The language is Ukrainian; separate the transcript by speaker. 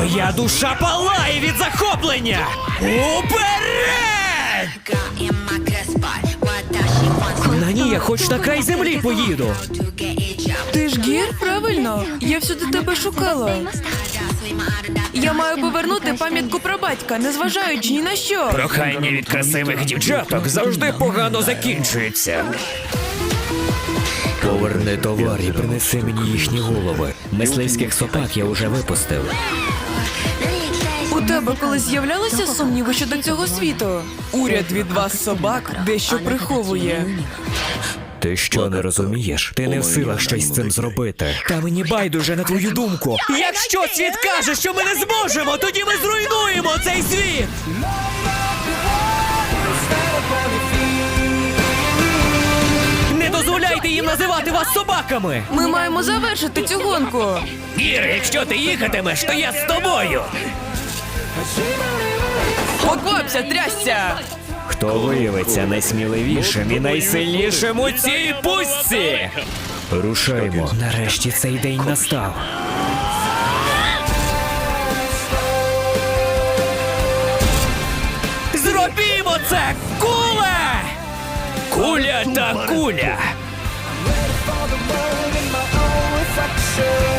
Speaker 1: Моя душа палає від захоплення! Уперед! На ній я хоч на край землі поїду.
Speaker 2: Ти ж гір, правильно? Я всюди тебе шукала. Я маю повернути пам'ятку про батька, незважаючи ні на що.
Speaker 1: Прохання від красивих дівчаток завжди погано закінчується. Поверни товар і принеси мені їхні голови. Мисливських собак я вже випустив.
Speaker 2: У тебе колись з'являлися сумніви щодо цього світу? Уряд від вас, собак, дещо приховує.
Speaker 1: Ти що, не розумієш? Ти не в силах щось з цим зробити. Та мені байдуже на твою думку. Якщо світ каже, що ми не зможемо, тоді ми зруйнуємо цей світ! Не дозволяйте їм називати вас собаками!
Speaker 2: Ми маємо завершити цю гонку.
Speaker 1: Гір, якщо ти їхатимеш, то я з тобою!
Speaker 2: Поквапся, трясся!
Speaker 1: Хто виявиться найсміливішим і найсильнішим у цій пустці? Рушаймо. Нарешті цей день настав. Зробімо це! Куля! Куля та куля!
Speaker 3: for the moment in my own reflection.